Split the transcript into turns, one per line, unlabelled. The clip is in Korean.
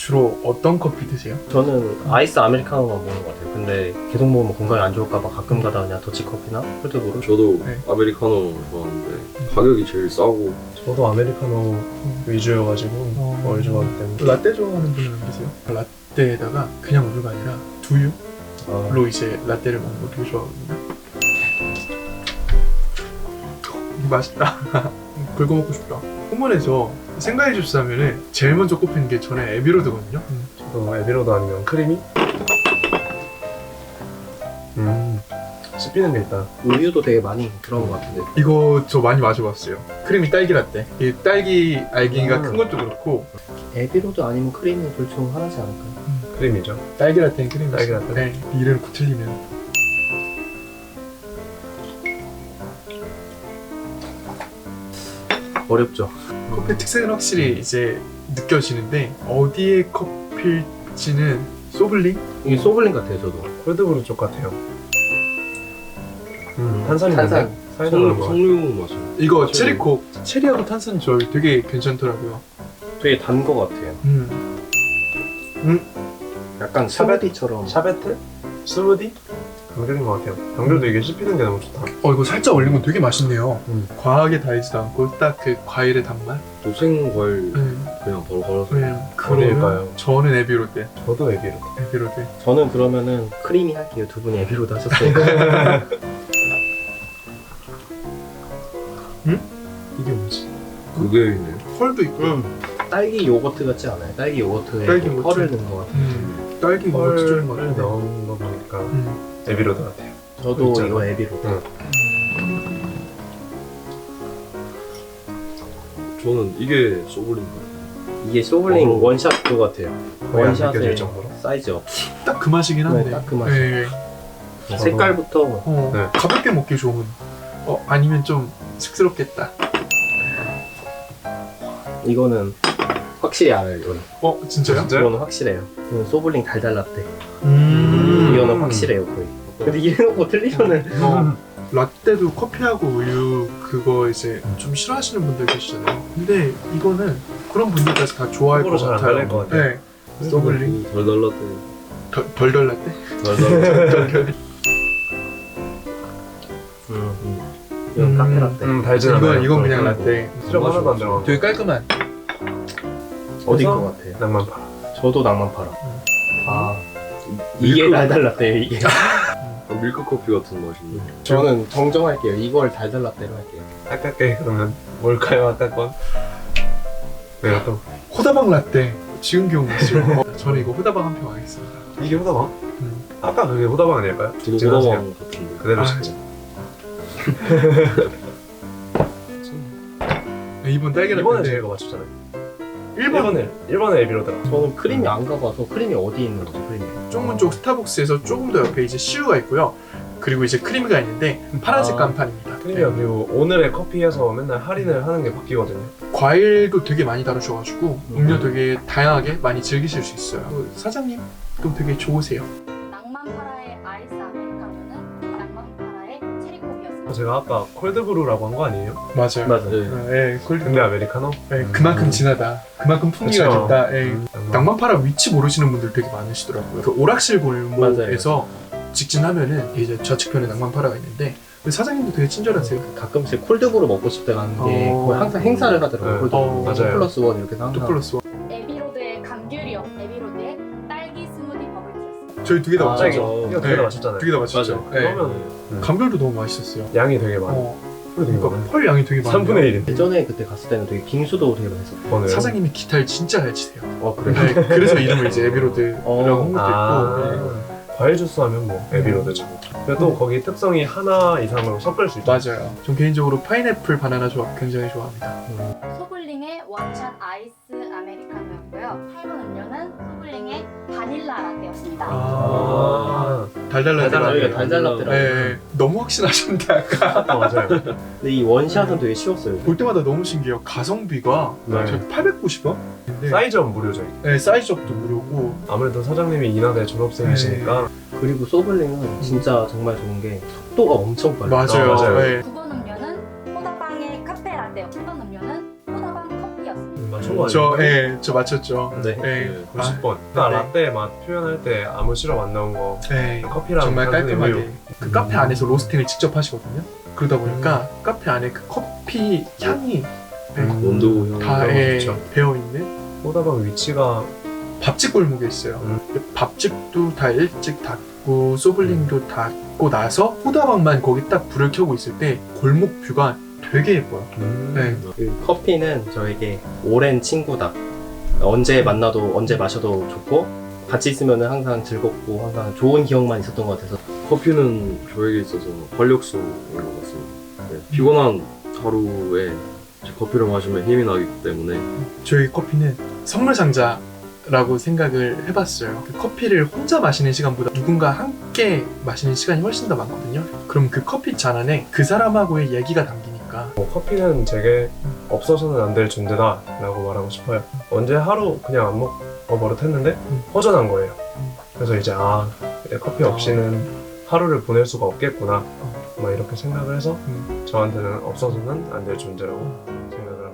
주로 어떤 커피 드세요?
저는 아이스 아메리카노만 먹는 것 같아요. 근데 계속 먹으면 건강에 안 좋을까봐 가끔 가다 그냥 더치커피나 콜드브루.
저도
네.
아메리카노 좋아하는데 가격이 제일 싸고.
저도 아메리카노 위주여가지고 뭘 좋아하기 때문에.
라떼 좋아하는 분은 안 계세요? 라떼에다가 그냥 우유가 아니라 두유로 이제 라떼를 먹는 거 되게 좋아하거든요. 맛있다. 긁어 먹고 싶다. 호문에서 생과일 주스 하면은 제일 먼저 꼽히는 게 저는 에비로드거든요.
저도 에비로드 아니면 크리미? 씹히는 게 있다.
우유도 되게 많이 들어간 것 같은데.
이거 저 많이 마셔봤어요. 크리미 딸기 라떼. 이 딸기 알갱이가 큰 것도 그렇고
에비로드 아니면 크리미 둘 중 하나지 않을까요?
크리미죠.
딸기 라떼는 크리미.
딸기 라떼.
네. 이름 틀리면.
어렵죠.
커피 특색은 확실히 이제 느껴지는데 어디에 커피일지는 소블링?
이게 소블링 같아요, 저도.
콜드브루 쪽 같아요. 탄산이
탄산.
있는데? 사이다 그런 거 같아요.
석류 맛이.
이거
체리.
체리콕. 체리하고 탄산 조합이 되게 괜찮더라고요.
되게 단 것 같아요. 약간 스무디처럼.
샤베트? 스무디? 병들인 것 같아요. 병들도 이게 씹히는 게 너무 좋다.
이거 살짝 올린 건 되게 맛있네요.
음.
과하게 달지도 않고 딱 그 과일의 단맛.
또 생과일
네.
그냥 바로 걸어서.
어디일까요?
저는 에비로드.
저도 에비로드.
에비로드.
저는 그러면은 크리미 할게요. 두 분이 에비로드 하셨으니까.
이게 뭐지?
그게 있네요.
펄도 있고.
딸기 요거트 같지 않아요? 딸기 요거트에
딸기 요거트.
펄을 넣은 것 같아요.
딸기 요거트 좀
펄을
같은데.
넣은 거 보니까 에비로드 같아요.
저도
있잖아.
이거 에비로드.
저는 이게 소블린 같아요.
이게 소블링
어.
원샷 그거 같아요.
거의 안
원샷에
느껴질 정도로.
사이즈 업.
딱 그 맛이긴 한데.
네, 딱그 맛이에요.
네.
저도-
색깔부터
네.
가볍게 먹기 좋은. 아니면 좀 쑥스럽겠다.
이거는 확실히 알아요. 이거는.
진짜요?
진짜요?
이거는 확실해요. 이건 소블링 달달 라떼.
음.
이거는 확실해요 거의. 근데 이래놓고 틀리면은
라떼도 커피하고 우유 그거 이제 좀 싫어하시는 분들 계시잖아요. 근데 이거는 그런 분들까지 다 좋아할 것
호불호 잘안
같아요.
갈릴 것 같아요.
네. 소블링.
달달라떼.
덜덜 라떼?
달달라떼.
이건 카페 라떼.
달진 않아요.
이건 그냥
음.
라떼.
시럽 하나도 안 들어가고.
되게 깔끔한.
어디인 것 같아요?
낭만 팔아.
저도 낭만 팔아. 아 이게
밀크-
달달 라떼예요 이게.
밀크 커피 같은 맛인데.
저는 정정할게요. 이걸 달달 라떼로 할게요.
아깝게 그러면 뭘까요? 아까 건? 내가 또
호다방 라떼. 지금 기억났어요. 저는 이거 호다방 한 표 하겠습니다.
이게 후다방? 아까 그게 후다방 아닐까요?
저도
지나세요.
호다방 같은데.
그대로
아,
진짜.
이번 딸기 라떼.
이번에 저희가 맞췄잖아요. 1번에 에비로드라.
저는 크림이 안 가봐서 크림이 어디 있는 거죠 크림이?
쪽문 쪽 스타벅스에서 조금 더 옆에 이제 시우가 있고요. 그리고 이제 크리미가 있는데 파란색 간판입니다.
크림이야. 그리고 오늘의 커피에서 맨날 할인을 하는 게 바뀌거든요.
과일도 되게 많이 다루셔가지고 음료 되게 다양하게 많이 즐기실 수 있어요. 사장님도 되게 좋으세요.
낭만파라의 아이스 아메리카노는 낭만파라의 체리콕이었습니다.
제가 아까 콜드브루라고 한 거 아니에요?
맞아요.
맞아요.
근데 아메리카노?
그만큼 진하다. 그만큼 풍미가
그쵸.
좋다. 낭만파라 위치 모르시는 분들 되게 많으시더라고요. 그 오락실 골목에서 직진하면은 이제 좌측편에 낭만파라가 있는데 그 사장님도 되게 친절하세요.
가끔씩 콜드브루 먹고 싶을 때 가는 게 거의 항상 행사를 하더라고요.
네.
콜드브루.
맞아요.
2+1 이렇게 해서
또
항상.
플러스 원.
에비로드의 감귤이요. 에비로드의 딸기 스무디 버블티였습니다.
저희 두 개 다
아,
맞췄죠.
이거
네.
되게 다 맞췄잖아요.
두 개 다 맞췄죠. 네.
그러면
감귤도 너무 맛있었어요.
양이 되게 많아.
그러니까 펄 양이 되게 많아요.
3분의 1인데.
예전에 그때 갔을 때는 되게 빙수도 되게 많이 했었고.
사장님이 기타를 진짜 잘 치세요.
그래.
네, 그래서 이름을 이제 에비로드라고 한 것도 있고. 네.
과일 주스 하면 뭐 에비로드죠. 근데 또 거기 특성이 하나 이상으로 섞을 수 있죠.
맞아요. 전 개인적으로 파인애플 바나나 조합 굉장히 좋아합니다.
소블링의 원샷 아이스 아메리카노였고요. 8번 음료는 소블링의 바닐라 라떼였습니다.
달달라떼.
저희가 달달 라떼라고.
네, 너무 확신하셨는데 아까
맞아요.
근데 이 원샷은 되게 쉬웠어요.
볼 때마다 너무 신기해요. 가성비가
네.
저 890원? 근데
사이즈업 무료죠.
네, 사이즈업도 무료고
아무래도 사장님이 인하대 졸업생이시니까
그리고 소블링은 진짜 정말 좋은 게 속도가 엄청 빨라요.
맞아요.
맞아요.
네.
9번 음료는 호다방의 카페 라떼. 10번 음료는 호다방 커피였습니다.
맞춘 거 아니에요?
저 맞췄죠.
네.
네.
90번. 그러니까
네.
라떼 맛 표현할 때 아무 시럽 안 넣은 거.
네.
커피랑
정말
단순히
깔끔하게
우유.
그 카페 안에서 로스팅을 직접 하시거든요. 그러다 보니까 카페 안에 그 커피 향이
원두 향.
다
그렇죠.
배어 있는
호다방 위치가
밥집 골목에 있어요. 밥집도 다 일찍 닫고 소블링도 닫고 나서 호다방만 거기 딱 불을 켜고 있을 때 골목 뷰가 되게 예뻐요. 네.
그 커피는 저에게 오랜 친구다. 언제 만나도 언제 마셔도 좋고 같이 있으면 항상 즐겁고 항상 좋은 기억만 있었던 것 같아서
커피는 저에게 있어서 활력소인 것 같습니다. 네, 피곤한 하루에 이제 커피를 마시면 힘이 나기 때문에
저희 커피는 선물 상자라고 생각을 해봤어요. 그 커피를 혼자 마시는 시간보다 누군가 함께 마시는 시간이 훨씬 더 많거든요. 그럼 그 커피 잔 안에 그 사람하고의 얘기가 담기니까
커피는 제게 없어서는 안 될 존재다 라고 말하고 싶어요. 언제 하루 그냥 안 먹어 버릇했는데 허전한 거예요. 그래서 이제 이제 커피 없이는 하루를 보낼 수가 없겠구나 막 이렇게 생각을 해서 저한테는 없어서는 안 될 존재라고 생각을